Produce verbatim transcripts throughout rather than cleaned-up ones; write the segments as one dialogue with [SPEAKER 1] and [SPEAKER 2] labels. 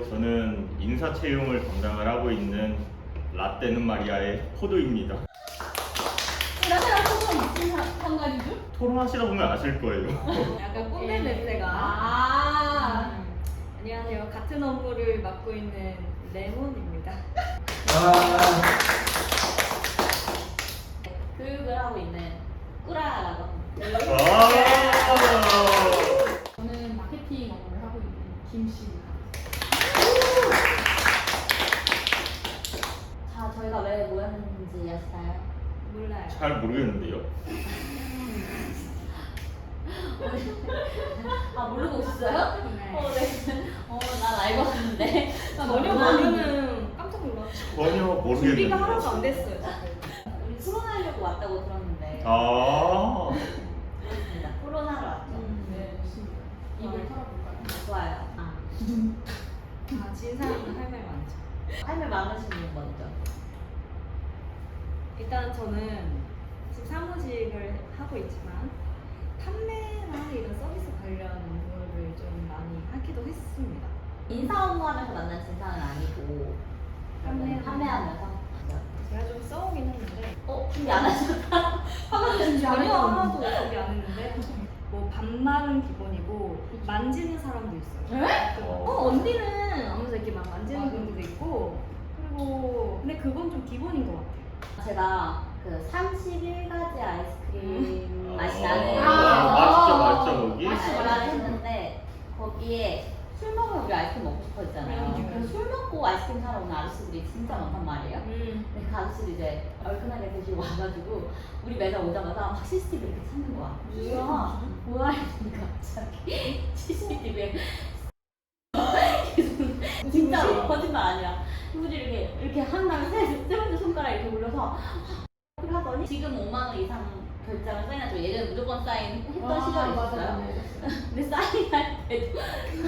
[SPEAKER 1] 저는 인사 채용을 담당을 하고 있는 라떼는 마리아의 포도입니다.
[SPEAKER 2] 나랑 소금 무슨 상관이죠?
[SPEAKER 1] 토론하시다 보면 아실 거예요.
[SPEAKER 3] 약간 꼰대 냄새가.
[SPEAKER 2] 아.
[SPEAKER 3] 음. 안녕하세요. 같은 업무를 맡고 있는 레몬입니다.
[SPEAKER 2] 교육을 하고 있는 꾸라라고 합니다. 저는 마케팅 업무를 하고 있는 김씨입니다. 자, 저희가 왜 모였는지 아시나요?
[SPEAKER 3] 몰라요.
[SPEAKER 1] 잘 모르겠는데요.
[SPEAKER 2] 아, 모르고 오셨어요?
[SPEAKER 3] 네.
[SPEAKER 2] 어, 네. 어, 난 알고 왔는데.
[SPEAKER 3] 전혀 모르는 깜짝 놀랐어요.
[SPEAKER 1] 전혀 모르겠는데.
[SPEAKER 3] 준비가 하나도 안 됐어요. 지금.
[SPEAKER 2] 우리 토론하려고 왔다고 들었는데.
[SPEAKER 1] 아.
[SPEAKER 2] 그렇습니다. 토론하러 왔죠.
[SPEAKER 3] 네, 좋습니다.
[SPEAKER 2] 입을 털어볼까요? 좋아요. 아.
[SPEAKER 3] 아, 진 사람은 할 말 많죠.
[SPEAKER 2] 할 말 많으신 분 먼저.
[SPEAKER 3] 일단 저는 지금 사무직을 하고 있지만 판매나 이런 서비스 관련 업무를 좀 많이 하기도 했습니다.
[SPEAKER 2] 인사 업무하면서 만난 진상은 아니고
[SPEAKER 3] 판매-
[SPEAKER 2] 판매하면서.
[SPEAKER 3] 제가 좀 써오긴 했는데
[SPEAKER 2] 어? 준비 안 하셨다? 화가 준비 안
[SPEAKER 3] 전혀
[SPEAKER 2] 했다고.
[SPEAKER 3] 하나도 준비 안 했는데 뭐 반말은 기본이고 만지는 사람도 있어요.
[SPEAKER 2] 에?
[SPEAKER 3] 어 언니는 하면서 이렇게 막 만지는
[SPEAKER 2] 맞아.
[SPEAKER 3] 분들도 있고 그리고 근데 그건 좀 기본인 것 같아요.
[SPEAKER 2] 제가 그 삼십일 가지 아이스크림
[SPEAKER 1] 음.
[SPEAKER 2] 맛이
[SPEAKER 1] 아,
[SPEAKER 2] 나는
[SPEAKER 1] 맛있죠, 맛있죠, 거기?
[SPEAKER 2] 알바를 했는데 거기에 술 먹으면 우리 아이스크림 먹고 싶어 했잖아요.
[SPEAKER 3] 음.
[SPEAKER 2] 그래서 술 먹고 아이스크림 사러 오는 아저씨들이 진짜 많단 말이에요.
[SPEAKER 3] 음.
[SPEAKER 2] 근데 그 아저씨도 이제 얼큰하게 드시고 와가지고 우리 매장 오자마자 막 씨씨티비 이렇게 찾는 거야. 뭐야? 뭐야? 이러니까 갑자기 씨씨티비에 진짜 거짓말 아니야. 우리 이렇게 이렇게 한 다음에 세, 세 번째 손가락 이렇게 올려서 그걸 하더니 지금 오만 원 이상 결제하면 사인하죠. 예전에 무조건 사인 했던 시절이 있었어요. 근데 사인할 때도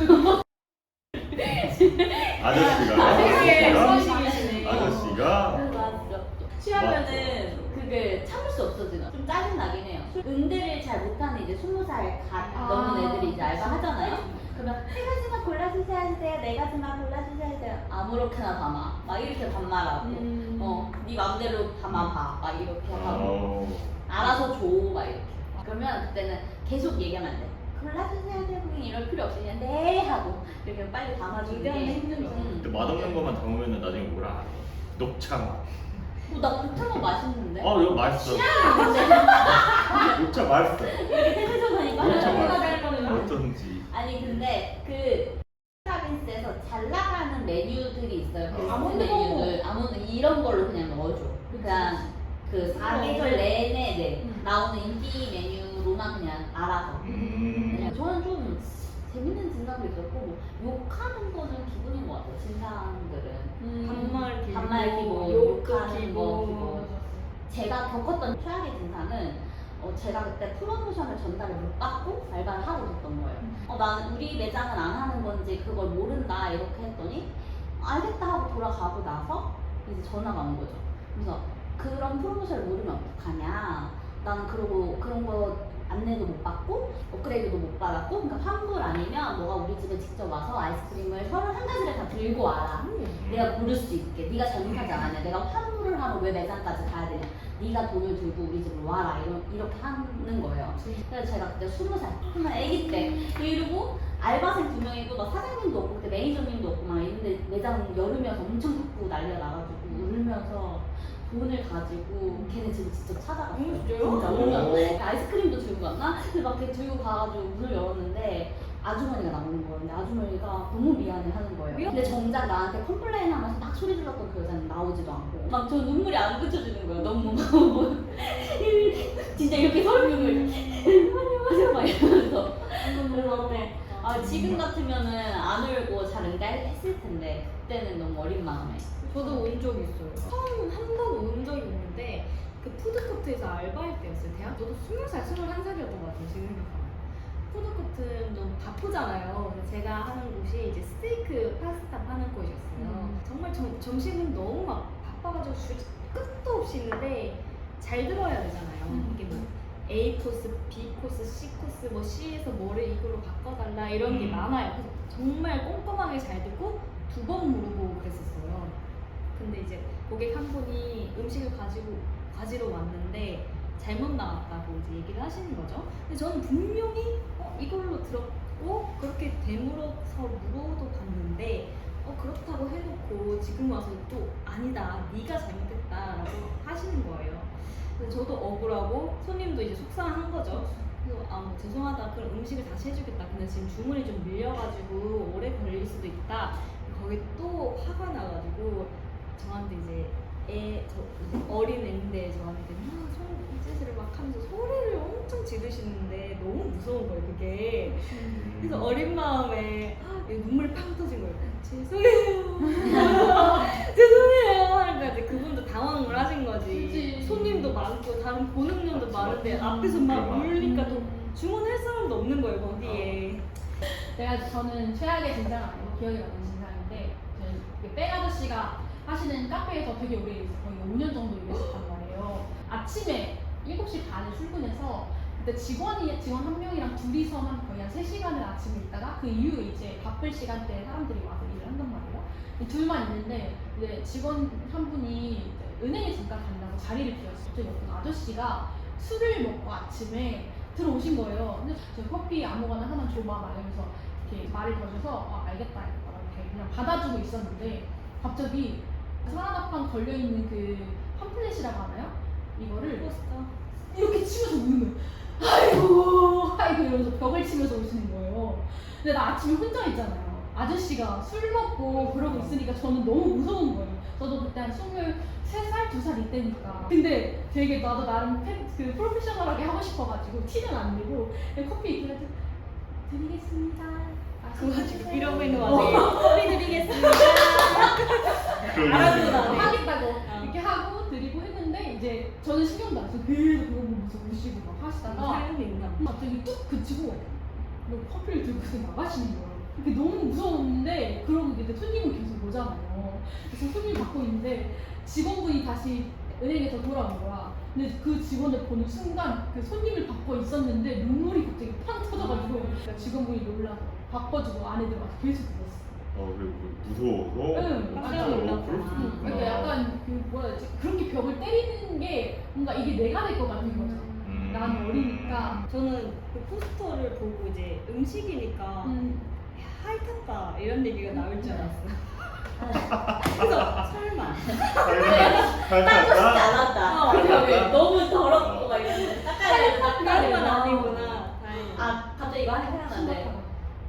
[SPEAKER 1] 아저씨가.
[SPEAKER 2] 되게
[SPEAKER 1] 아저씨가.
[SPEAKER 3] 수학이시네.
[SPEAKER 1] 아저씨가.
[SPEAKER 2] 맞죠. 취하면은 그게 참을 수 없어지나. 좀 짜증 나긴 해요. 응대를 잘 못하는 이제 스무 살 가-
[SPEAKER 3] 아,
[SPEAKER 2] 넘은 애들이 이제 알바 하잖아요. 그러면 세 가지만 골라주셔야 돼요. 네 가지만 골라주셔야 돼요. 아무렇게나 담아. 막 이렇게 반말하고.
[SPEAKER 3] 음.
[SPEAKER 2] 어, 네 맘대로 담아봐. 막 이렇게 하고.
[SPEAKER 1] 어.
[SPEAKER 2] 알아서 줘. 막 이렇게. 그러면 그때는 계속 얘기하면 안 돼. 골라주셔야 돼요. 고객님 이럴 필요 없이 그냥 네 하고 이렇게 빨리 담아주는
[SPEAKER 3] 응대하는
[SPEAKER 2] 게
[SPEAKER 3] 게 힘들죠.
[SPEAKER 2] 음.
[SPEAKER 1] 근데 맛없는 것만 담으면 나중에 뭐라 알아? 녹차 맛.
[SPEAKER 2] 어, 나 녹차가 맛있는데?
[SPEAKER 1] 어, 이거 맛있어. 녹차 맛있어.
[SPEAKER 2] 이렇게 세세적하니까
[SPEAKER 1] 녹차
[SPEAKER 2] 하나가
[SPEAKER 1] 맛있어.
[SPEAKER 2] 될 거는
[SPEAKER 1] 어쩐지.
[SPEAKER 2] 아니 근데 그 서비스에서 잘 나가는 메뉴들이 있어요. 베스트
[SPEAKER 1] 아몬드
[SPEAKER 2] 메뉴들 아몬드 이런 걸로 그냥 넣어줘. 그냥 그 사계절 내내 네,
[SPEAKER 3] 음.
[SPEAKER 2] 나오는 인기 메뉴로만 그냥 알아서.
[SPEAKER 1] 음.
[SPEAKER 2] 그냥 저는 좀 재밌는 진상도 있었고 뭐 욕하는 거는 기본인 것 같아요. 진상들은
[SPEAKER 3] 반말 기본,
[SPEAKER 2] 반말 기본,
[SPEAKER 3] 욕도
[SPEAKER 2] 욕하는 거
[SPEAKER 3] 기본.
[SPEAKER 2] 기본. 제가 겪었던 최악의 진상은 어, 제가 그때 프로모션을 전달을 못 받고 알바를 하고 있었던 거예요. 어, 난 우리 매장은 안 하는 건지 그걸 모른다 이렇게 했더니 알겠다 하고 돌아가고 나서 이제 전화가 온 거죠. 그래서 그런 프로모션을 모르면 어떡하냐. 나는 그러고 그런 거 안내도 못 받고 업그레이드도 못 받았고 그러니까 환불 아니면 너가 우리 집에 직접 와서 아이스크림을 서른한 가지를 다 들고 와라. 내가 고를 수 있게. 네가 잘못하지 않았냐. 내가 환불을 하러 왜 매장까지 가야 되냐. 네가 돈을 들고 우리 집으로 와라. 이러, 이렇게 하는 거예요. 그래서 제가 그때 스무 살, 정말 아기 때 이러고 알바생 두 명이고 막 사장님도 없고 그때 매니저님도 없고 막 이런데 매장 여름이어서 엄청 덥고 난리가 나가지고 울면서 돈을 가지고 걔네 집을 직접 찾아갔어요.
[SPEAKER 3] 음, 진짜요?
[SPEAKER 2] 진짜
[SPEAKER 1] 오.
[SPEAKER 2] 울면서 아이스크림도 들고 갔나? 근데 막 이렇게 들고 가가지고 문을 열었는데 아주머니가 나오는 거예요. 근데 아주머니가 너무 미안해 하는 거예요.
[SPEAKER 3] 미안?
[SPEAKER 2] 근데 정작 나한테 컴플레인 하면서 막 소리 질렀던 그 여자는 나오지도 않고 막 저 눈물이 안 그쳐지는 거예요. 너무 뭐 진짜 이렇게 소리를 안녕하세요 막 이러면서 그래서 아, 지금 같으면은 안 울고 잘 응대했을 텐데 그때는 너무 어린 마음에
[SPEAKER 3] 저도 운 적이 있어요. 처음 한 번 운 적이 있는데 그 푸드코트에서 알바할 때였어요. 대학 저도 스무 살, 스물한 살이었던 것 같아요. 지금 생각하면. 푸드코트는 좀 바쁘잖아요. 그래서 제가 하는 곳이 이제 스테이크 파스타 파는 곳이었어요.
[SPEAKER 2] 음.
[SPEAKER 3] 정말 점, 점심은 너무 막 바빠가지고 줄 끝도 없이 있는데 잘 들어야 되잖아요.
[SPEAKER 2] 음.
[SPEAKER 3] 이게 뭐 A 코스, B 코스, C 코스, 뭐 C에서 뭐를 이걸로 바꿔달라 이런 게
[SPEAKER 1] 음.
[SPEAKER 3] 많아요. 그래서 정말 꼼꼼하게 잘 듣고 두 번 물어보고 그랬었어요. 근데 이제 고객 한 분이 음식을 가지고 가지러 왔는데 잘못 나왔다고 이제 얘기를 하시는 거죠. 근데 저는 분명히 어, 이걸로 들었고 그렇게 되물어서 물어도 봤는데 어, 그렇다고 해놓고 지금 와서 또 아니다, 네가 잘못했다라고 하시는 거예요. 그래서 저도 억울하고 손님도 이제 속상한 거죠. 그래서 아, 뭐 죄송하다, 그럼 음식을 다시 해주겠다. 근데 지금 주문이 좀 밀려가지고 오래 걸릴 수도 있다. 거기 또 화가 나가지고 저한테 이제 애, 저 이제 어린 애인데 저한테 막 손짓을 막 하면서 소리를 엄청 지르시는데 너무 무서운 거예요, 그게. 그래서 어린 마음에 아, 눈물이 팡 터진 거예요. 죄송해요. 죄송해요. 그러니까 이제 그분도 당황을 하신 거지.
[SPEAKER 4] 그치.
[SPEAKER 3] 손님도 많고 다른 고능력도
[SPEAKER 1] 맞지,
[SPEAKER 3] 많은데
[SPEAKER 1] 맞지.
[SPEAKER 3] 앞에서 막
[SPEAKER 1] 그래,
[SPEAKER 3] 울니까 또
[SPEAKER 4] 음.
[SPEAKER 3] 주문할 사람도 없는 거예요, 거기에.
[SPEAKER 4] 내가 저는 최악의 진상 아니고 기억에 남는 진상인데 저희 백 아저씨가 하시는 카페에서 되게 오래 일했어요. 거의 오 년 정도 일했었단 말이에요. 아침에 일곱 시 반에 출근해서 그때 직원이 직원 한 명이랑 둘이서 한 거의 한 세 시간을 아침에 있다가 그 이후에 이제 바쁠 시간대에 사람들이 와서 일을 한단 말이에요. 이 둘만 있는데 이제 직원 한 분이 이제 은행에 잠깐 간다고 자리를 비웠어요. 갑자기 어떤 아저씨가 술을 먹고 아침에 들어오신 거예요. 근데 저 커피 아무거나 하나 줘봐 막 이러면서 이렇게 말을 거셔서 아 알겠다 이렇게 그냥 받아주고 있었는데 갑자기 사라다판 걸려있는 그 팜플렛이라고 하나요? 이거를
[SPEAKER 3] 포스터.
[SPEAKER 4] 이렇게 치면서 우는 거예요. 아이고 아이고 이러면서 벽을 치면서 오시는 거예요. 근데 나 아침에 혼자 있잖아요. 아저씨가 술 먹고 그러고 있으니까 저는 너무 무서운 거예요. 저도 그때 한 스물세 살, 두 살 이때니까. 근데 되게 나도 나름 패, 그 프로페셔널하게 하고 싶어가지고 티는 안 내고 그냥 커피 이렇게 드리겠습니다.
[SPEAKER 3] 그 와중에
[SPEAKER 4] 드세요.
[SPEAKER 3] 이러고 있는 와중에 커피 드리겠습니다.
[SPEAKER 1] 그런
[SPEAKER 3] 알아듣고
[SPEAKER 1] 게
[SPEAKER 3] 나네.
[SPEAKER 4] 하겠다고
[SPEAKER 3] 어.
[SPEAKER 4] 이렇게 하고 드리고 했는데 이제 저는 신경도 안 써서 계속 그거 보면서 우시고 막 하시다가
[SPEAKER 3] 사연이 있나 봐.
[SPEAKER 4] 갑자기 뚝 그치고 뭐 커피를 들고서 나가시는 거예요. 그게 너무 무서웠는데 그러고 이제 손님은 계속 오잖아요. 그래서 손님 받고 있는데 직원분이 다시 은행에서 돌아온 거야. 근데 그 직원을 보는 순간 그 손님을 받고 있었는데 눈물이 갑자기 팡 터져가지고 직원분이 놀라서 바꿔주고 안에 들어가서 계속 울었어.
[SPEAKER 1] 어, 그리고 무서워서
[SPEAKER 4] 응,
[SPEAKER 1] 어,
[SPEAKER 3] 깜짝
[SPEAKER 1] 진짜 어,
[SPEAKER 3] 놀랐구나.
[SPEAKER 1] 그럴 수도 있구나.
[SPEAKER 4] 그러니까 약간 그 뭐라 해야 되지? 그렇게 벽을 때리는 게 뭔가 이게 내가 될 것 같은 거죠.
[SPEAKER 1] 음.
[SPEAKER 4] 난 어리니까.
[SPEAKER 3] 저는 그 포스터를 보고 이제 음식이니까
[SPEAKER 4] 음,
[SPEAKER 3] 야, 하이탔다 이런 얘기가 나올 줄 알았어. 그래서 설마.
[SPEAKER 2] 닦고 싶지 않았다.
[SPEAKER 3] 어,
[SPEAKER 2] 그러게.
[SPEAKER 1] 어.
[SPEAKER 2] 너무 더럽고 막 이러는데 닦아야 되는
[SPEAKER 3] 그런
[SPEAKER 2] 닦아야
[SPEAKER 3] 건
[SPEAKER 2] 되는
[SPEAKER 3] 아니구나. 다행이다.
[SPEAKER 2] 아 갑자기 이거 하나 생각나는데
[SPEAKER 4] 심각하다.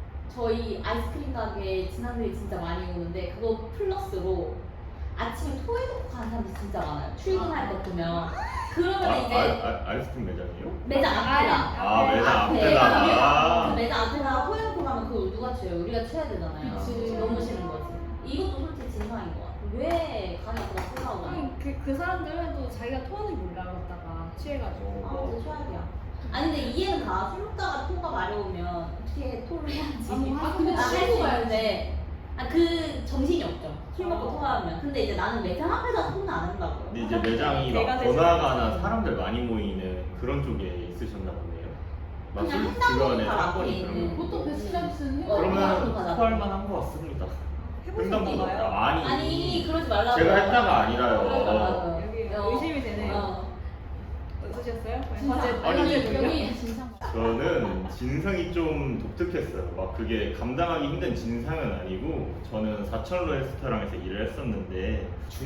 [SPEAKER 2] 저희 아이스크림 가게에 지난들이 진짜 많이 오는데 그거 플러스로 아침에 토해놓고 가는 사람들이 진짜 많아요. 출근할 때 보면 그러면
[SPEAKER 1] 아,
[SPEAKER 2] 이제
[SPEAKER 1] 아, 아, 아이스크림 매장이요?
[SPEAKER 2] 매장 앞에다
[SPEAKER 1] 아, 매장
[SPEAKER 2] 앞에다가
[SPEAKER 1] 앞에다가.
[SPEAKER 2] 그 매장 앞에다가 토해놓고 가면 그걸 누가 쳐요? 우리가 쳐야 되잖아요.
[SPEAKER 4] 그치.
[SPEAKER 2] 너무 싫은 거지. 이것도 솔직히 진상인 것 같아. 왜 가게 앞에다 쓰라고 하냐?
[SPEAKER 3] 아니, 그, 그 사람들은 또 자기가 토하는 줄 몰랐다가 취해가지고.
[SPEAKER 2] 아, 진짜 최악이야. 아니 근데 이해는 가. 술 먹다가 토가 마려우면 어떻게 토를 해야지.
[SPEAKER 4] 아, 근데
[SPEAKER 2] 나 할 수
[SPEAKER 4] 친구
[SPEAKER 2] 있는데 아, 그 정신이 없죠. 술 먹고
[SPEAKER 3] 어.
[SPEAKER 2] 토하면. 근데 이제 나는 매장 앞에다 토는 안 한다고요.
[SPEAKER 1] 근데 이제 매장이 막
[SPEAKER 3] 개가 되지
[SPEAKER 1] 번화가나
[SPEAKER 3] 않았지.
[SPEAKER 1] 사람들 많이 모이는 그런 쪽에 있으셨나 보네요. 막
[SPEAKER 2] 그냥
[SPEAKER 1] 주-
[SPEAKER 2] 횡단보도
[SPEAKER 1] 주변에
[SPEAKER 2] 바로 앞에
[SPEAKER 1] 사건이
[SPEAKER 2] 있는.
[SPEAKER 1] 그런 거.
[SPEAKER 4] 보통 베스트라이스는
[SPEAKER 2] 어,
[SPEAKER 1] 그러면
[SPEAKER 2] 횡단보도
[SPEAKER 1] 토할 만한 것 같습니다. 횡단보도
[SPEAKER 3] 해보셨나봐요?
[SPEAKER 1] 아니,
[SPEAKER 2] 아니 그러지 말라고.
[SPEAKER 1] 제가 했다가
[SPEAKER 2] 그러지
[SPEAKER 1] 아니라요.
[SPEAKER 2] 말라고요.
[SPEAKER 3] 여기
[SPEAKER 2] 어.
[SPEAKER 3] 의심이 되네요.
[SPEAKER 2] 어.
[SPEAKER 3] 어떠셨어요?
[SPEAKER 4] 진상.
[SPEAKER 3] 화제,
[SPEAKER 1] 아니,
[SPEAKER 3] 화제
[SPEAKER 4] 여기
[SPEAKER 3] 돌려?
[SPEAKER 4] 여기 진상.
[SPEAKER 1] 저는 진상이 좀 독특했어요. 막 그게 감당하기 힘든 진상은 아니고 저는 사천로 레스토랑에서 일을 했었는데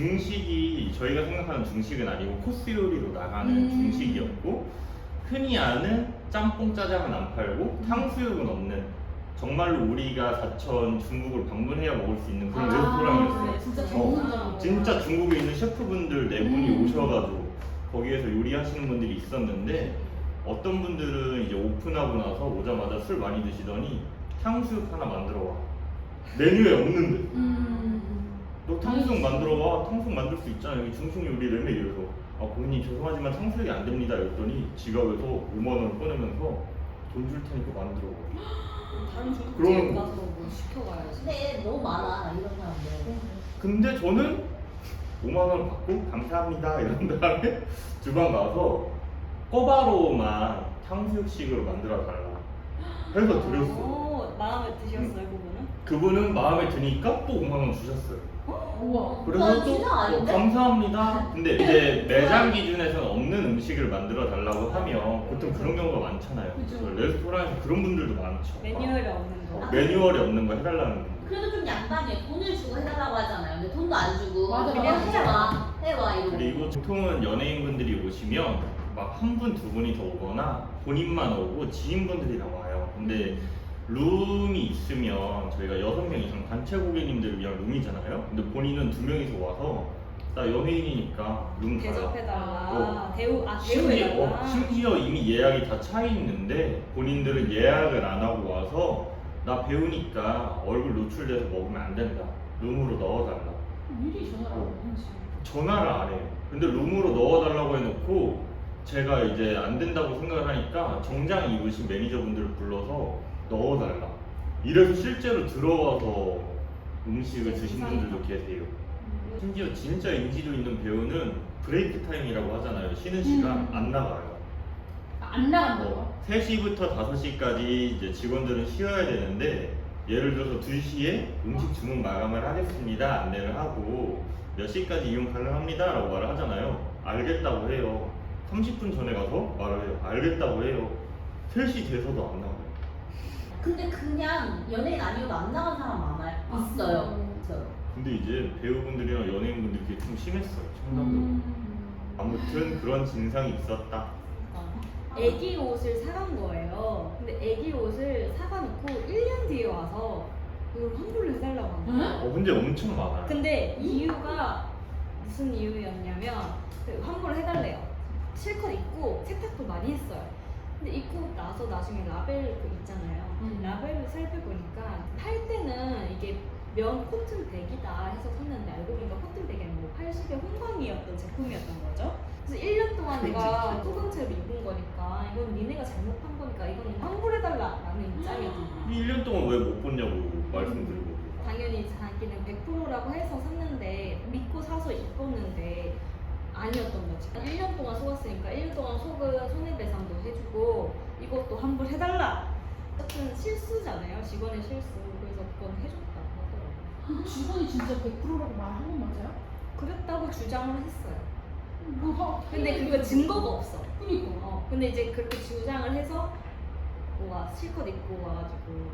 [SPEAKER 1] 중식이 저희가 생각하는 중식은 아니고 코스 요리로 나가는
[SPEAKER 4] 음.
[SPEAKER 1] 중식이었고 흔히 아는 짬뽕 짜장은 안 팔고 탕수육은 없는 정말로 우리가 사천 중국을 방문해야 먹을 수 있는 그런 레스토랑이었어요.
[SPEAKER 4] 네, 진짜
[SPEAKER 1] 어,
[SPEAKER 4] 전문적으로.
[SPEAKER 1] 진짜 중국에 있는 셰프분들 네 분이
[SPEAKER 4] 음.
[SPEAKER 1] 오셔가지고 거기에서 요리하시는 분들이 있었는데 어떤 분들은 이제 오픈하고 나서 오자마자 술 많이 드시더니 탕수육 하나 만들어 와. 메뉴에 없는데.
[SPEAKER 4] 음.
[SPEAKER 1] 너 탕수육 만들어 와. 탕수육 만들 수 있잖아. 여기 중식 요리 레메 이래서. 아 고객님 죄송하지만 탕수육이 안 됩니다. 이랬더니 지갑에서 오만 원을 꺼내면서 돈 줄 테니까 만들어 와.
[SPEAKER 3] 다른 중국집
[SPEAKER 1] 그러면-
[SPEAKER 3] 가서 뭐 시켜가야지.
[SPEAKER 2] 근데 너무 많아 이런 사람들.
[SPEAKER 1] 근데 저는 오만 원 받고 감사합니다 이런 다음에 주방 가서 꼬바로우만 탕수육식으로 만들어 달라 해서 드렸어.
[SPEAKER 3] 오, 마음에 드셨어요 그분은?
[SPEAKER 1] 그분은 마음에 드니까 또 오만 원 주셨어요.
[SPEAKER 4] 우와.
[SPEAKER 1] 그래서
[SPEAKER 2] 나
[SPEAKER 1] 또
[SPEAKER 2] 진짜
[SPEAKER 1] 어,
[SPEAKER 2] 아닌데?
[SPEAKER 1] 감사합니다. 근데 이제 매장 기준에서는 없는 음식을 만들어 달라고 하면 보통 그런 경우가 많잖아요.
[SPEAKER 4] 그죠.
[SPEAKER 1] 그래서 레스토랑에서 그런 분들도 많죠.
[SPEAKER 3] 매뉴얼이 없는 거.
[SPEAKER 1] 어, 매뉴얼이 없는 거 해달라는 분.
[SPEAKER 2] 그래도 좀 양반이에요. 돈을 주고 해달라고 하잖아요. 근데 돈도 안 주고
[SPEAKER 4] 맞아,
[SPEAKER 2] 그냥
[SPEAKER 4] 맞아.
[SPEAKER 2] 해와 해와 이러고.
[SPEAKER 1] 그리고 보통은 연예인분들이 오시면 막 한 분, 두 분이 더 오거나 본인만 오고 지인분들이랑 와요. 근데 룸이 있으면 저희가 여섯 명 이상 단체 고객님들을 위한 룸이잖아요. 근데 본인은 두 명이서 와서 나 연예인이니까 룸 달라.
[SPEAKER 3] 대접해달라.
[SPEAKER 1] 어.
[SPEAKER 3] 대우 아
[SPEAKER 1] 심지어,
[SPEAKER 3] 대우해달라.
[SPEAKER 1] 어, 심지어 이미 예약이 다 차 있는데 본인들은 예약을 안 하고 와서 나 배우니까 얼굴 노출돼서 먹으면 안 된다. 룸으로 넣어달라.
[SPEAKER 4] 미리 전화를 안
[SPEAKER 1] 어.
[SPEAKER 4] 하지.
[SPEAKER 1] 전화를 안 해요. 근데 룸으로 넣어달라고 해놓고 제가 이제 안 된다고 생각을 하니까 정장 입으신 매니저분들을 불러서 넣어달라. 이래서 실제로 들어와서 음식을 드신 분들도 계세요. 심지어 진짜 인지도 있는 배우는 브레이크 타임이라고 하잖아요. 쉬는 시간
[SPEAKER 4] 음.
[SPEAKER 1] 안 나가요.
[SPEAKER 4] 아, 안 나간다고요?
[SPEAKER 1] 뭐 세 시부터 다섯 시까지 이제 직원들은 쉬어야 되는데 예를 들어서 두 시에 음식 주문 마감을 하겠습니다 안내를 하고 몇 시까지 이용 가능합니다 라고 말을 하잖아요. 알겠다고 해요. 삼십 분 전에 가서 말을 해요. 알겠다고 해요. 세 시 돼서도 안 나가요.
[SPEAKER 2] 근데 그냥 연예인 아니어도 안 나간 사람 많아요. 있어요.
[SPEAKER 4] 음.
[SPEAKER 2] 있어요.
[SPEAKER 1] 근데 이제 배우분들이랑 연예인분들이 그게 좀 심했어요. 청담도.
[SPEAKER 4] 음.
[SPEAKER 1] 아무튼 그런 진상이 있었다.
[SPEAKER 3] 애기 옷을 사간 거예요. 근데 애기 옷을 사가놓고 일 년 뒤에 와서 이걸 환불을 해달라고 하는 거예요.
[SPEAKER 1] 어 근데 엄청 많아요.
[SPEAKER 3] 근데 이유가 무슨 이유였냐면 그 환불을 해달래요. 실컷 입고 세탁도 많이 했어요. 근데 입고 나서 나중에 라벨 그 있잖아요.
[SPEAKER 4] 음.
[SPEAKER 3] 라벨을 살펴보니까 팔 때는 이게 면 코튼 백이다 해서 샀는데 알고 보니까 코튼 백이 아니고 팔십의 홍광이었던 제품이었던 거죠. 그래서 일 년 동안 내가 소금채로 입은 거니까 이건 니네가 잘못한 거니까 이건 환불해달라라는 입장이었던
[SPEAKER 1] 일 년 동안 왜 못 봤냐고 말씀드리고.
[SPEAKER 3] 당연히 자기는 백 퍼센트라고 해서 샀는데 믿고 사서 입었는데 아니었던 거지. 일 년 동안 속았으니까 일 년 동안 속은 손해배상도 해주고 이것도 환불해달라. 어쨌든 실수잖아요. 직원의 실수. 그래서 그건 해줬다고 하더라고요.
[SPEAKER 4] 직원이 진짜 백 퍼센트라고 말한 건 맞아요?
[SPEAKER 3] 그랬다고 주장을 했어요.
[SPEAKER 4] 뭐,
[SPEAKER 3] 근데 그거 증거가 없어.
[SPEAKER 4] 그니까.
[SPEAKER 3] 어, 근데 이제 그렇게 주장을 해서 뭐가 실컷 입고 와가지고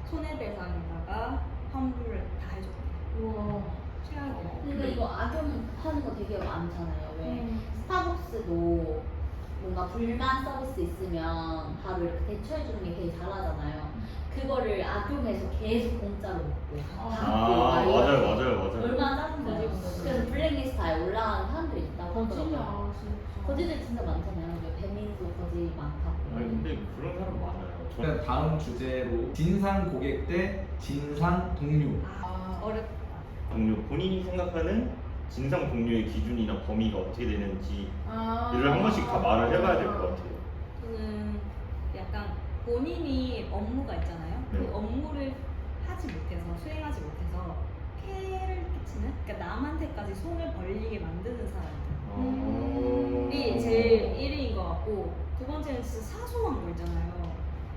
[SPEAKER 3] 손해배상에다가 환불을 다 해줬대.
[SPEAKER 4] 우와.
[SPEAKER 3] 최악이야.
[SPEAKER 2] 근데 이거 악용하는 거 되게 많잖아요. 왜
[SPEAKER 4] 음.
[SPEAKER 2] 스타벅스도 뭔가 불만 서비스 있으면 바로 이렇게 대처해주는 게 되게 잘하잖아요. 그거를 악용해서 계속 공짜로 먹고
[SPEAKER 1] 아
[SPEAKER 2] 받고 막 이런
[SPEAKER 1] 맞아요
[SPEAKER 2] 거.
[SPEAKER 1] 맞아요 맞아요.
[SPEAKER 2] 얼마나 짜증나요.
[SPEAKER 4] 거짓말.
[SPEAKER 2] 그래서 블랙리스트에 올라가는 사람들이 있다고 하더라고요.
[SPEAKER 4] 거짓이야, 진짜.
[SPEAKER 2] 거지들 진짜 많잖아요. 왜 배민도 거지 많다고.
[SPEAKER 1] 아니 근데 그런 사람 많아요. 저
[SPEAKER 5] 그럼 다음 주제로 진상 고객 대 진상 동료.
[SPEAKER 3] 아,
[SPEAKER 4] 아.
[SPEAKER 3] 어렵다.
[SPEAKER 1] 동료 본인이 생각하는 진상 동료의 기준이나 범위가 어떻게 되는지
[SPEAKER 4] 아.
[SPEAKER 1] 이를 한 번씩 다 말을 해봐야 될 것 같아요.
[SPEAKER 3] 저는 약간 본인이 업무가 있잖아요.
[SPEAKER 1] 네.
[SPEAKER 3] 그 업무를 하지 못해서 수행하지 못해서 폐를 끼치는, 그러니까 남한테까지 손을 벌리게 만드는 사람이
[SPEAKER 4] 음.
[SPEAKER 3] 제일 일 위인 것 같고, 두 번째는 진짜 사소한 거 있잖아요.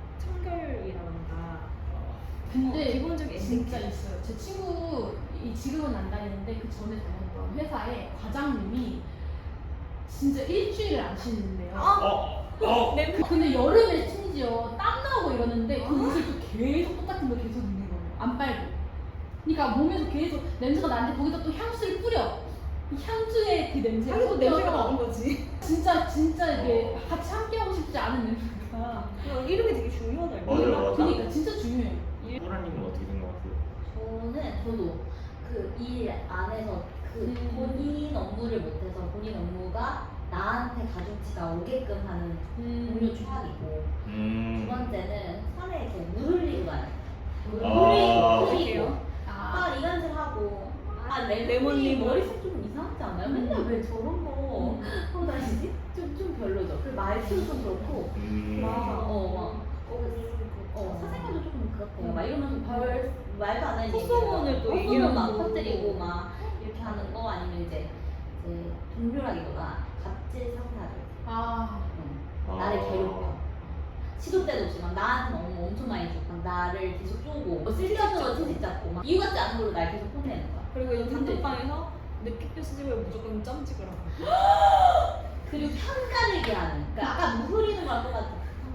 [SPEAKER 3] 청결이라던가.
[SPEAKER 4] 근데
[SPEAKER 3] 어, 기본적인
[SPEAKER 4] 진짜
[SPEAKER 3] 에티켓.
[SPEAKER 4] 있어요. 제 친구 이 지금은 안 다니는데 그 전에 다녔던 회사에 과장님이 진짜 일주일을 안 쉬는데요.
[SPEAKER 1] 어? 어?
[SPEAKER 3] 내
[SPEAKER 4] 근데 여름에 심지어 땀 나고 이러는데 그 옷을 또 계속 똑같은 거 계속 입는 거예요. 안 빨고. 그러니까 몸에서 계속 냄새가 나는데 거기다 또 향수를 뿌려. 이 향수의 그 냄새가
[SPEAKER 3] 자기도 냄새가
[SPEAKER 4] 섞여서
[SPEAKER 3] 나는 거지.
[SPEAKER 4] 진짜 진짜 이게 같이 함께 하고 싶지 않은 냄새가.
[SPEAKER 3] 어, 이름이 되게 중요하다.
[SPEAKER 1] 맞아요, 맞아요.
[SPEAKER 4] 그러니까 진짜 중요해요.
[SPEAKER 1] 소라님은 어떻게 생각하세요?
[SPEAKER 2] 저는 저도 그 일 안에서 그
[SPEAKER 4] 음.
[SPEAKER 2] 본인 업무를 못해서 본인 업무가 나한테 가중치가 오게끔 하는 동료 최악이고, 두
[SPEAKER 1] 음...
[SPEAKER 2] 번째는 산에 이렇게 물 흘리고 가요. 물
[SPEAKER 1] 아.
[SPEAKER 2] 흘리고 흘리고
[SPEAKER 4] 아,
[SPEAKER 2] 아 이간질 하고 아
[SPEAKER 3] 레몬님
[SPEAKER 2] 레몬님
[SPEAKER 3] 머리-
[SPEAKER 2] 머리색 좀 이상하지 않아요? 맨날 왜 저런 거 하고 다니지? 좀, 좀 별로죠. 그 말투도 좀 그렇고
[SPEAKER 1] 음...
[SPEAKER 2] 막, 어, 막, 어, 사생활도 조금 그렇대요. 막 이러면서 별 말도 안 하는
[SPEAKER 3] 콧소문을 또
[SPEAKER 2] 콧소문 막
[SPEAKER 3] 얘기하고.
[SPEAKER 2] 터뜨리고 막 이렇게 하는 거, 아니면 이제, 이제 동료라기보다 갑질 상사들
[SPEAKER 4] 아,
[SPEAKER 2] 응.
[SPEAKER 1] 아.
[SPEAKER 2] 나를 괴롭혀. 시도 때도 없이 막 나한테 너무 엄청 많이 주고 막 나를 계속 쪼고 뭐 쓸데없는 거 채찍 잡고 막 이유 같지 않은 걸로 날 계속 혼내는 거야.
[SPEAKER 3] 그리고 이 단톡방에서 느낌표 수집을 무조건 점 찍으라고.
[SPEAKER 2] 그리고 편가르기 하는. 그러니까 아까 물 흐리는 거랑 똑같아.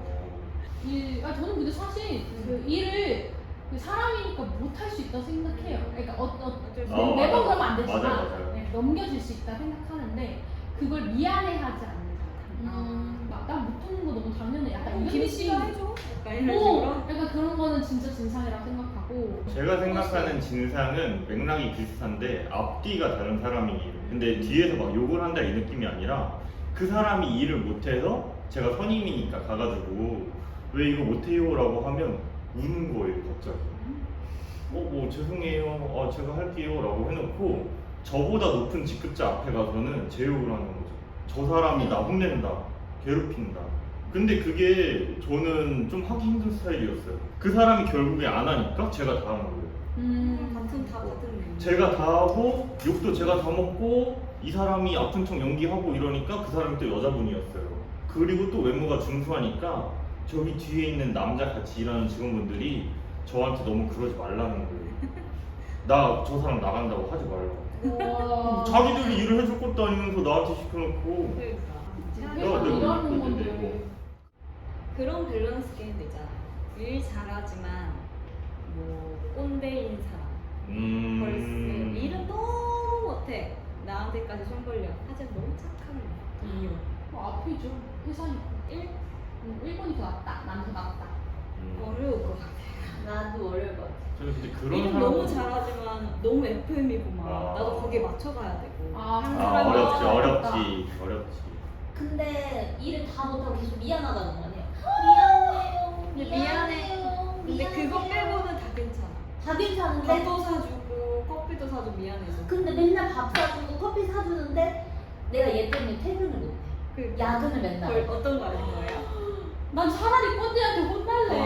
[SPEAKER 4] 일, 아 저는 근데 사실 그 일을 그 사람이니까 못할 수 있다고 생각해요. 그러니까 어, 어,
[SPEAKER 3] 어쩔 수
[SPEAKER 1] 어,
[SPEAKER 3] 없어.
[SPEAKER 4] 매번
[SPEAKER 1] 맞아.
[SPEAKER 4] 그러면 안 되지만
[SPEAKER 1] 맞아요, 맞아요.
[SPEAKER 4] 네, 넘겨질 수 있다 생각하는데 그걸 미안해하지 않는 사람.
[SPEAKER 2] 음.
[SPEAKER 4] 막난 못하는 거 너무 당연해. 약간 이런
[SPEAKER 3] 김 씨가
[SPEAKER 4] 느낌.
[SPEAKER 3] 해줘. 약간 이런
[SPEAKER 4] 어,
[SPEAKER 3] 식으로.
[SPEAKER 4] 약간 그런 거는 진짜 진상이라고 생각하고.
[SPEAKER 1] 제가 생각하는 진상은 맥락이 비슷한데 앞뒤가 다른 사람이에요. 근데 뒤에서 막 욕을 한다 이 느낌이 아니라 그 사람이 일을 못해서 제가 선임이니까 가가지고 왜 이거 못해요? 라고 하면 우는 거예요 갑자기. 어 뭐 죄송해요. 아 제가 할게요 라고 해놓고 저보다 높은 직급자 앞에 가서는 제 욕을 하는 거죠. 저 사람이 나 혼낸다, 괴롭힌다. 근데 그게 저는 좀 하기 힘든 스타일이었어요. 그 사람이 결국에 안 하니까 제가 다 하는 거예요.
[SPEAKER 4] 음.
[SPEAKER 3] 같은 다 같은 내용.
[SPEAKER 1] 제가 다 하고 욕도 제가 다 먹고 이 사람이 아픈 척 연기하고 이러니까 그 사람이 또 여자분이었어요. 그리고 또 외모가 중수하니까 저기 뒤에 있는 남자 같이 일하는 직원분들이 저한테 너무 그러지 말라는 거예요. 나 저 사람 나간다고 하지 말라고.
[SPEAKER 4] 와.
[SPEAKER 1] 자기들이 일을 해줄 것도 아니면서 나한테 시켜놓고.
[SPEAKER 3] 그러니까.
[SPEAKER 1] 야,
[SPEAKER 4] 회사
[SPEAKER 1] 내가
[SPEAKER 4] 일하는
[SPEAKER 1] 왜
[SPEAKER 4] 건데.
[SPEAKER 1] 그러는데,
[SPEAKER 3] 그런 밸런스 게임도 있잖아. 일 잘하지만 뭐 꼰대인 사람.
[SPEAKER 1] 음.
[SPEAKER 3] 벌써 일은 너무 못해. 나한테까지 손 벌려. 하지만 너무 착한 동료.
[SPEAKER 4] 뭐 앞이죠. 회사니까.
[SPEAKER 3] 일
[SPEAKER 4] 음, 일본이 더 낫다. 난 더 낫다.
[SPEAKER 1] 음.
[SPEAKER 3] 어려울 것 같아.
[SPEAKER 2] 나도 어려울 것 같아.
[SPEAKER 1] 저는 근데 그런
[SPEAKER 3] 일은
[SPEAKER 1] 사람
[SPEAKER 3] 너무 잘하지만 너무 에프엠이고 막
[SPEAKER 1] 아.
[SPEAKER 3] 나도 거기에 맞춰가야 되고.
[SPEAKER 4] 아,
[SPEAKER 3] 한
[SPEAKER 1] 아,
[SPEAKER 3] 사람이
[SPEAKER 1] 어렵지
[SPEAKER 4] 어렵다.
[SPEAKER 1] 어렵지 어렵지.
[SPEAKER 2] 근데 일을 다 못하고 계속 미안하다는 거 아니에요? 미안해요.
[SPEAKER 3] 근데 미안해.
[SPEAKER 2] 미안해요.
[SPEAKER 3] 근데 그거
[SPEAKER 2] 미안해요.
[SPEAKER 3] 빼고는 다 괜찮아.
[SPEAKER 2] 다 괜찮은데
[SPEAKER 3] 밥도 사주고 커피도 사주고 미안해서.
[SPEAKER 2] 근데 맨날 밥 사주고 커피 사주는데 내가 얘 때문에 퇴근을 못해.
[SPEAKER 3] 그
[SPEAKER 2] 야근을 맨날.
[SPEAKER 3] 걸 어떤 거 하는 거예요?
[SPEAKER 4] 난 차라리 꼰대한테 혼날래.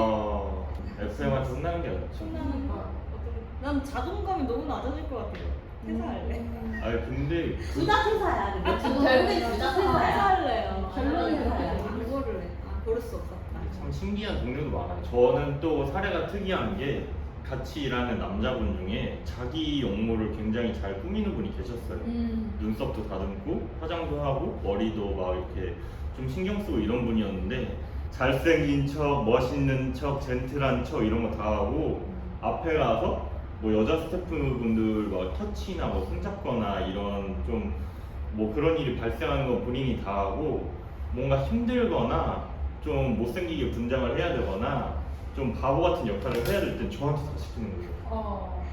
[SPEAKER 1] 아 에프엠한테 혼나는 게 낫죠.
[SPEAKER 3] 신나는 거. 어떤 난 자존감이 너무 낮아질 것 같아요. 퇴사할래.
[SPEAKER 1] 아니 근데
[SPEAKER 2] 둘 다 퇴사야. 근데
[SPEAKER 3] 아,
[SPEAKER 2] 결국엔 둘다 퇴사야.
[SPEAKER 3] 퇴사할래요.
[SPEAKER 4] 결론은
[SPEAKER 2] 그렇게
[SPEAKER 3] 퇴사야.
[SPEAKER 2] 해요.
[SPEAKER 3] 그거를 해. 아 고를 수 없었다.
[SPEAKER 1] 참 신기한 동료도 많아요. 저는 또 사례가 특이한 게 같이 일하는 남자분 중에 자기 용모를 굉장히 잘 꾸미는 분이 계셨어요.
[SPEAKER 4] 음.
[SPEAKER 1] 눈썹도 다듬고 화장도 하고 머리도 막 이렇게 좀 신경 쓰고 이런 분이었는데 잘생긴 척, 멋있는 척, 젠틀한 척 이런 거 다 하고 앞에 가서 뭐 여자 스태프분들 막 터치나 뭐 손잡거나 이런 좀 뭐 그런 일이 발생하는 건 본인이 다 하고 뭔가 힘들거나 좀 못생기게 분장을 해야 되거나 좀 바보 같은 역할을 해야 될 땐 저한테 다 시키는 거예요.
[SPEAKER 4] 어.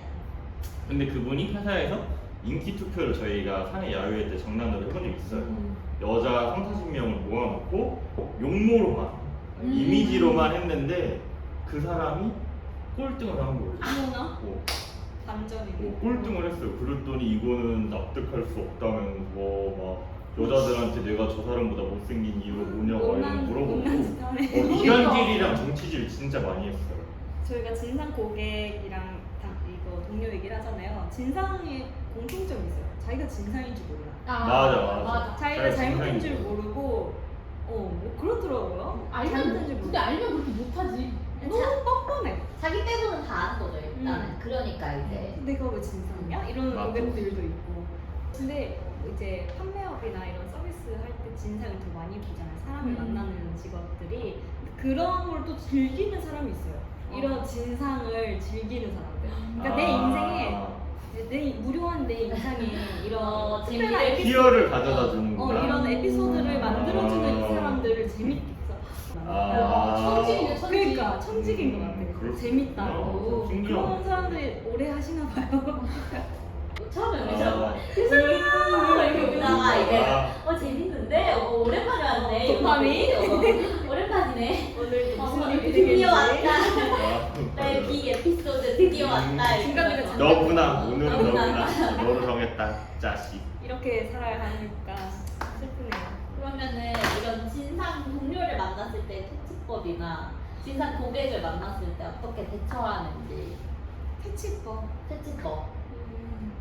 [SPEAKER 1] 근데 그분이 회사에서 인기 투표를 저희가 사내 야유회 때 장난으로 해본 적이 있어요.
[SPEAKER 4] 음.
[SPEAKER 1] 여자 삼사십 명을 모아놓고 용모로만
[SPEAKER 4] 음.
[SPEAKER 1] 이미지로만 했는데 그 사람이 꼴등을 한 거예요.
[SPEAKER 3] 어머나
[SPEAKER 1] 뭐,
[SPEAKER 3] 반전이네.
[SPEAKER 1] 뭐 꼴등을 했어요. 그랬더니 이거는 납득할 수 없다면서 막 여자들한테 내가 저 사람보다 못생긴 이유가 뭐냐고
[SPEAKER 3] 못난
[SPEAKER 1] 이런 거 물어보고
[SPEAKER 3] 못난 짓 하네.
[SPEAKER 1] 어, 이간질이랑 정치질 진짜 많이 했어요.
[SPEAKER 3] 저희가 진상 고객이랑 다 이거 동료 얘기를 하잖아요. 진상의 공통점이 있어요. 자기가 진상인 줄 몰라.
[SPEAKER 4] 아,
[SPEAKER 1] 맞아, 맞아.
[SPEAKER 4] 맞아.
[SPEAKER 3] 자기가
[SPEAKER 1] 자기가
[SPEAKER 3] 잘못된 줄
[SPEAKER 1] 진상인 줄
[SPEAKER 3] 모르고 어 뭐 그렇더라고요. 잘못된 줄
[SPEAKER 4] 알면
[SPEAKER 3] 모르고.
[SPEAKER 4] 근데 알면 그렇게 못하지.
[SPEAKER 3] 너무 뻔뻔해.
[SPEAKER 2] 자기 빼고는 다 아는 거죠 일단은.
[SPEAKER 3] 음.
[SPEAKER 2] 그러니까 이제
[SPEAKER 3] 내가 왜 진상이야? 이런
[SPEAKER 1] 맞아.
[SPEAKER 3] 고객들도 있고. 근데 이제 판매업이나 이런 서비스 할 때 진상을 더 많이 보잖아요. 사람을
[SPEAKER 4] 음.
[SPEAKER 3] 만나는 직업들이 그런 걸 또 즐기는 사람이 있어요. 이런
[SPEAKER 4] 어.
[SPEAKER 3] 진상을 즐기는 사람들. 그러니까
[SPEAKER 1] 아.
[SPEAKER 3] 내 인생에 내 무료한 내 인상에 이런
[SPEAKER 2] 어,
[SPEAKER 3] 특별한
[SPEAKER 2] 재미를-
[SPEAKER 3] 에피소드,
[SPEAKER 1] 희열을 가져다
[SPEAKER 3] 어,
[SPEAKER 1] 주는구나.
[SPEAKER 3] 어, 이런 에피소드를
[SPEAKER 1] 아.
[SPEAKER 3] 만들어주는 이 사람들을 재밌게
[SPEAKER 1] 아.
[SPEAKER 4] 천직이네, 천직.
[SPEAKER 3] 그러니까 청직인 것 같아요.
[SPEAKER 1] 그렇구나.
[SPEAKER 3] 재밌다고.
[SPEAKER 1] 신기하다.
[SPEAKER 3] 그런 사람들이 오래 하시나 봐요.
[SPEAKER 2] 처음에
[SPEAKER 1] 아.
[SPEAKER 2] 우리처럼 죄송해요 이렇게 오다가 이제
[SPEAKER 1] 아.
[SPEAKER 2] 어 재밌는데 어 오랜만에 왔네
[SPEAKER 3] 도파민?
[SPEAKER 2] 어, 오랜만이네
[SPEAKER 3] 오늘
[SPEAKER 2] 어,
[SPEAKER 3] 무슨 일이
[SPEAKER 2] 드디어
[SPEAKER 3] 되겠지?
[SPEAKER 2] 왔다 나의 빅 에피소드 드디어 왔다 이렇게.
[SPEAKER 3] 중간중간 잠깐-
[SPEAKER 1] 너구나 오늘은
[SPEAKER 2] 너구나.
[SPEAKER 1] 너구나 너를 정했다 짜식.
[SPEAKER 3] 이렇게 살아야 하니까 슬프네요.
[SPEAKER 2] 그러면은 이런 진상 동료를 만났을 때 퇴치법이나 진상 고객을 만났을 때 어떻게 대처하는지
[SPEAKER 3] 퇴치법.
[SPEAKER 2] 퇴치법.
[SPEAKER 3] 음.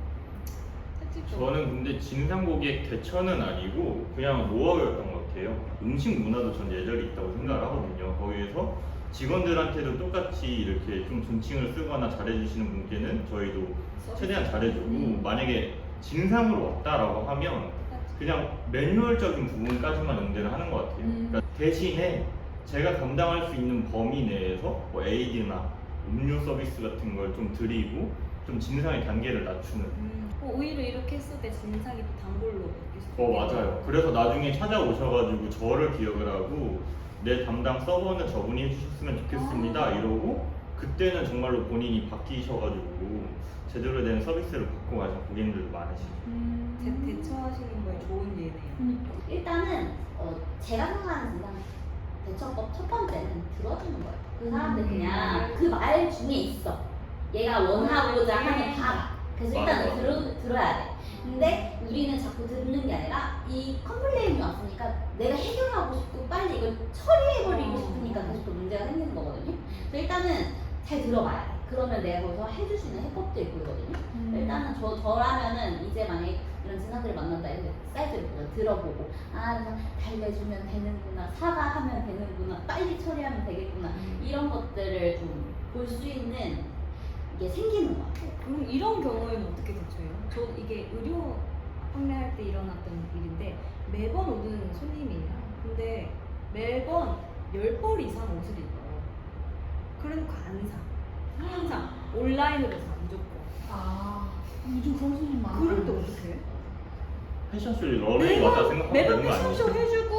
[SPEAKER 3] 퇴치법.
[SPEAKER 1] 저는 근데 진상 고객 대처는 아니고 그냥 노하우였던 것 같아요. 음식 문화도 전 예절이 있다고 생각을 하거든요. 거기에서 직원들한테도 똑같이 이렇게 좀 존칭을 쓰거나 잘해주시는 분께는 저희도 최대한 잘해주고
[SPEAKER 3] 음.
[SPEAKER 1] 만약에 진상으로 왔다라고 하면 그냥 매뉴얼적인 부분까지만 응대를 하는 것 같아요.
[SPEAKER 4] 음.
[SPEAKER 1] 그러니까 대신에 제가 감당할 수 있는 범위 내에서 뭐 에이드나 음료 서비스 같은 걸 좀 드리고 좀 진상의 단계를 낮추는.
[SPEAKER 3] 음, 어, 오히려 이렇게 했을 때 진상이 또 단골로 바뀔 수도
[SPEAKER 1] 어
[SPEAKER 3] 있겠네요.
[SPEAKER 1] 맞아요. 그래서 나중에 찾아오셔가지고 저를 기억을 하고 내 담당 서버는 저분이 해주셨으면 좋겠습니다
[SPEAKER 3] 아.
[SPEAKER 1] 이러고 그때는 정말로 본인이 바뀌셔가지고 제대로 된 서비스를 받고 가신 고객님들도 많으시죠.
[SPEAKER 4] 음.
[SPEAKER 3] 대, 대처하시는 거에 좋은 예네요.
[SPEAKER 4] 그러니까.
[SPEAKER 2] 일단은 어, 제가 생각하는 진상 대처법 첫 번째는 들어주는 거예요. 그 사람들 그냥 그 말 중에 있어. 얘가 원하고자 하는 바가. 그래서 일단은
[SPEAKER 1] 맞아, 맞아.
[SPEAKER 2] 들어, 들어야 돼. 근데 우리는 자꾸 듣는 게 아니라 이 컴플레인이 왔으니까 내가 해결하고 싶고 빨리 이걸 처리해버리고 싶으니까 계속 또 문제가 생기는 거거든요. 그래서 일단은 잘 들어봐야 돼. 그러면 내가 거기서 해줄 수 있는 해법들이 보이거든요.
[SPEAKER 4] 음.
[SPEAKER 2] 일단은 저, 저라면은 이제 만약에 이런 진상들을 만난다 해서 사이트를 보고 들어보고 아 그래서 달래주면 되는구나 사과하면 되는구나 빨리 처리하면 되겠구나 이런 것들을 좀 볼 수 있는 이게 생기는 것 같아요.
[SPEAKER 3] 그럼 이런 경우에는 어떻게 대처해요? 저 이게 의료 판매할 때 일어났던 일인데 매번 오는 손님이에요. 근데 매번 열 벌 이상 옷을 입어요. 그러니까 안 사. 항상 온라인으로 사 무조건.
[SPEAKER 4] 아 요즘 그런 손님 많아.
[SPEAKER 3] 그럴 때 어떻게 해?
[SPEAKER 1] 패션쇼에 러닝이 왔다 생각하면
[SPEAKER 3] 매번
[SPEAKER 1] 되는 거
[SPEAKER 3] 패션쇼
[SPEAKER 1] 아니에요?
[SPEAKER 3] 해주고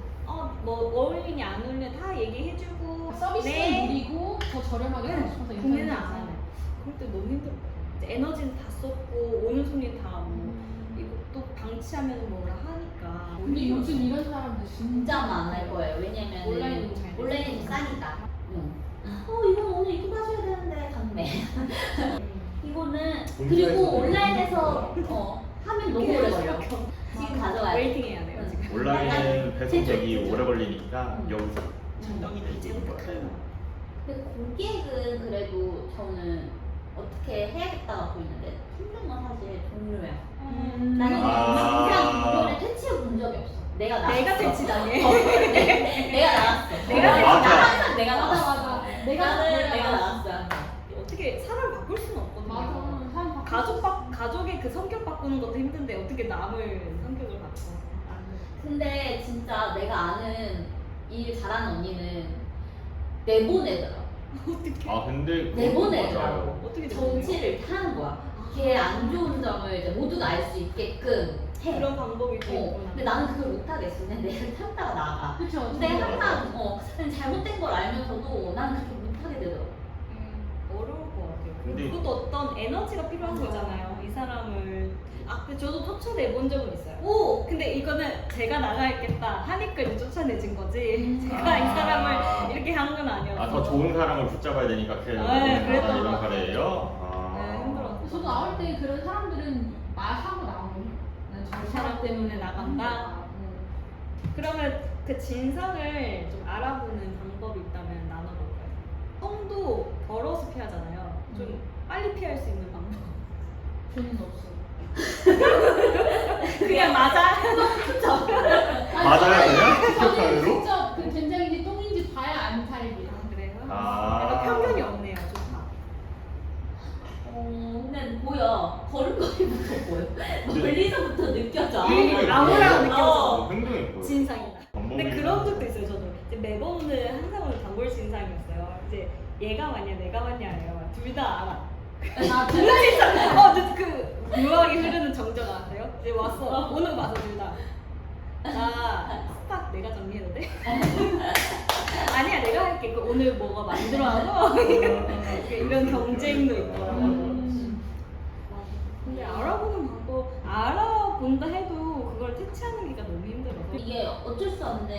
[SPEAKER 3] 어뭐 어울리냐 안 어울리냐 다 얘기해주고
[SPEAKER 4] 서비스를
[SPEAKER 3] 네.
[SPEAKER 4] 누리고 더 저렴하게
[SPEAKER 3] 네.
[SPEAKER 4] 하고 싶어서
[SPEAKER 3] 구매는
[SPEAKER 4] 인터넷에서.
[SPEAKER 3] 안 하네. 그럴 때 너무 힘들어요. 이제 에너지는 다 썼고 오는 손님 다 뭐
[SPEAKER 4] 음.
[SPEAKER 3] 이거 또 방치하면 뭐라 하니까.
[SPEAKER 4] 근데 요즘 이런 사람들
[SPEAKER 2] 진짜 많을 거예요. 왜냐면
[SPEAKER 3] 온라인으로 잘
[SPEAKER 2] 온라인이
[SPEAKER 3] 되죠.
[SPEAKER 2] 싸니까. 응. 어 이건 오늘 입고 가셔야 되는데 강매. 이거는 그리고 온라인에서 어 하면 너무 오래 걸려. 지금 가져와야 돼.
[SPEAKER 3] 웨이팅 해야 돼요
[SPEAKER 2] 응.
[SPEAKER 3] 지금.
[SPEAKER 1] 온라인은 배송 대기
[SPEAKER 2] 제조.
[SPEAKER 1] 오래 걸리니까
[SPEAKER 2] 음.
[SPEAKER 1] 여기서 천정이 돼 있는 거예요.
[SPEAKER 2] 근데 고객은 그래도 저는 어떻게 해야겠다가 보이는데 힘든 건 사실 동료야.
[SPEAKER 4] 음.
[SPEAKER 2] 나는
[SPEAKER 1] 아.
[SPEAKER 2] 그냥 동료를 퇴치해 본 적이 없어. 내가 나갔어.
[SPEAKER 3] 내가 퇴치당해.
[SPEAKER 2] 어, 내- 내가 나갔어.
[SPEAKER 3] 내가
[SPEAKER 2] 나
[SPEAKER 1] 맞아.
[SPEAKER 2] 항상 내가
[SPEAKER 4] 맞아
[SPEAKER 2] 나갔어.
[SPEAKER 4] 맞아. 내가
[SPEAKER 2] 나는
[SPEAKER 4] 내가
[SPEAKER 2] 내가
[SPEAKER 4] 나갔어.
[SPEAKER 2] 나갔어.
[SPEAKER 3] 어떻게 사람 바꿀 수는 없거든요.
[SPEAKER 4] 맞아. 사람 바꿔.
[SPEAKER 3] 가족 바, 가족의 그 성격 바꾸는 것도 힘든데 어떻게 남을 성격을 바꿔? 안 돼.
[SPEAKER 2] 근데 진짜 내가 아는 일 잘하는 언니는 내보내더라.
[SPEAKER 3] 어떻게?
[SPEAKER 1] 아 근데 그것도
[SPEAKER 2] 내보내더라고.
[SPEAKER 1] 맞아요.
[SPEAKER 3] 어떻게
[SPEAKER 2] 정치를 하는 거야. 걔 안 좋은 점을 이제 모두가 알 수 있게끔 해.
[SPEAKER 3] 그런 방법이 또
[SPEAKER 2] 어,
[SPEAKER 3] 있구나.
[SPEAKER 2] 근데 나는 그걸 못하겠어. 그냥 내를 참다가 나가.
[SPEAKER 4] 그쵸.
[SPEAKER 2] 근데
[SPEAKER 4] 저도
[SPEAKER 2] 항상 어, 그냥 잘못된 걸 알면서도 나는 그렇게 못하게 되더라고.
[SPEAKER 3] 음, 어려울 것 같아요.
[SPEAKER 1] 근데-
[SPEAKER 3] 그것도 어떤 에너지가 필요한
[SPEAKER 2] 맞아.
[SPEAKER 3] 거잖아요. 이 사람을 아, 근데 저도 쫓아내본 적은 있어요.
[SPEAKER 2] 오!
[SPEAKER 3] 근데 이거는 제가 나가야겠다 하니까 이제 쫓아내진 거지.
[SPEAKER 4] 음.
[SPEAKER 3] 제가 이 사람을 이렇게 한 건 아니었어.
[SPEAKER 1] 아 더 좋은 사람을 붙잡아야 되니까 그
[SPEAKER 3] 네, 그랬던
[SPEAKER 1] 이런
[SPEAKER 3] 것 같아요.
[SPEAKER 1] 사례예요. 아.
[SPEAKER 3] 네, 힘들었어.
[SPEAKER 4] 저도 나올 때 그런 사람들은 말하고 나오거든요. 난저
[SPEAKER 3] 그 사람 때문에 나간다?
[SPEAKER 4] 음.
[SPEAKER 3] 그러면 그 진상을 좀 알아보는 방법이 있다면 나눠볼까요? 똥도 더러워서 피하잖아요. 좀
[SPEAKER 4] 음.
[SPEAKER 3] 빨리 피할 수 있는 방법.
[SPEAKER 4] 저는 없어요.
[SPEAKER 3] 그냥 맞아.
[SPEAKER 1] 맞아요, 그냥?
[SPEAKER 4] 저는
[SPEAKER 1] 직격탄으로?
[SPEAKER 4] 직접 그 된장인지 똥인지 봐야 아는 타입이에요.
[SPEAKER 3] 아, 그래요?
[SPEAKER 1] 아.
[SPEAKER 3] 약간 편견이 없네요, 좋다.
[SPEAKER 2] 어, 근데 보여. 걸음걸이부터 보여. 멀리서부터 느껴져.
[SPEAKER 1] 행동이
[SPEAKER 3] 아무랑
[SPEAKER 1] 보여요.
[SPEAKER 3] 느껴져.
[SPEAKER 1] 어, 행동이 보여.
[SPEAKER 3] 진상이다. 근데
[SPEAKER 1] 방법이
[SPEAKER 3] 그런 적도 있어요, 저도. 이제 매번 오는 항상 오는 단골 진상이었어요. 이제 얘가 맞냐, 내가 맞냐예요. 둘 다 알아.
[SPEAKER 4] 아,
[SPEAKER 3] 둘 다 진짜. 어, 근데 그 묘하게 흐르는 정적 아세요? 이제 왔어. 오늘 와서 둘 다. 나 스탁 내가 정리해도 돼? 아니야, 내가 할게. 그 오늘 뭐가 만들어하고 이런 경쟁도 있더라고.
[SPEAKER 4] 음.
[SPEAKER 3] 근데 알아보는 방법 알아본다 해도 그걸 퇴치하는 게 너무 힘들어서.
[SPEAKER 2] 이게 어쩔 수 없는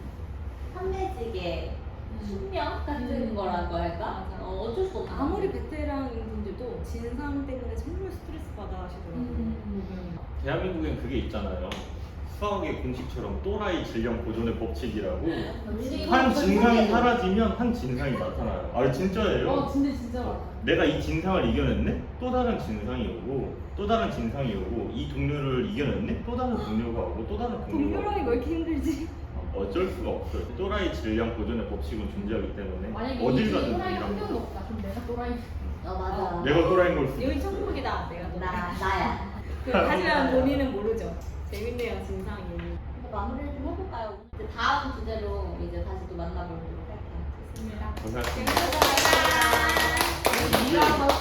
[SPEAKER 2] 판매직의 숙명 같은
[SPEAKER 4] 음.
[SPEAKER 2] 거라고 할까?
[SPEAKER 3] 맞아.
[SPEAKER 2] 어, 어쩔 수 없는
[SPEAKER 3] 아무리 베테랑인 분들도 진상 때문에 정말 스트레스 받아 하시더라고요.
[SPEAKER 4] 음.
[SPEAKER 1] 대한민국엔 그게 있잖아요. 수학의 공식처럼 또라이 질량 보존의 법칙이라고 한 진상이 사라지면 한 진상이 나타나요. 아 진짜예요.
[SPEAKER 4] 어, 근데 진짜 많아.
[SPEAKER 1] 내가 이 진상을 이겨냈네? 또 다른 진상이 오고 또 다른 진상이 오고 이 동료를 이겨냈네? 또 다른 동료가 오고 또 다른 동료가
[SPEAKER 3] 동료라니
[SPEAKER 1] 오고
[SPEAKER 3] 왜 이렇게 힘들지?
[SPEAKER 1] 아, 어쩔 수가 없어요. 또라이 질량 보존의 법칙은 존재하기 때문에
[SPEAKER 4] 만약에
[SPEAKER 1] 어딜
[SPEAKER 4] 이
[SPEAKER 1] 가든
[SPEAKER 4] 또라이 한
[SPEAKER 1] 동일합니다.
[SPEAKER 4] 명도 없다. 그럼 내가 또라이.
[SPEAKER 2] 어 맞아.
[SPEAKER 1] 내가 또라이인 걸 수도
[SPEAKER 3] 여기
[SPEAKER 1] 있어요.
[SPEAKER 3] 천국이다. 내가 너.
[SPEAKER 2] 나 나야.
[SPEAKER 3] 하지만 본인은 모르죠. 재밌네요, 진상이.
[SPEAKER 2] 근데 마무리를 좀 해볼까요? 이제 다음 주제로 이제 다시 또 만나보도록 할게요.
[SPEAKER 4] 좋습니다.
[SPEAKER 1] 고생하셨습니다.
[SPEAKER 3] 감사합니다.
[SPEAKER 4] 네가 더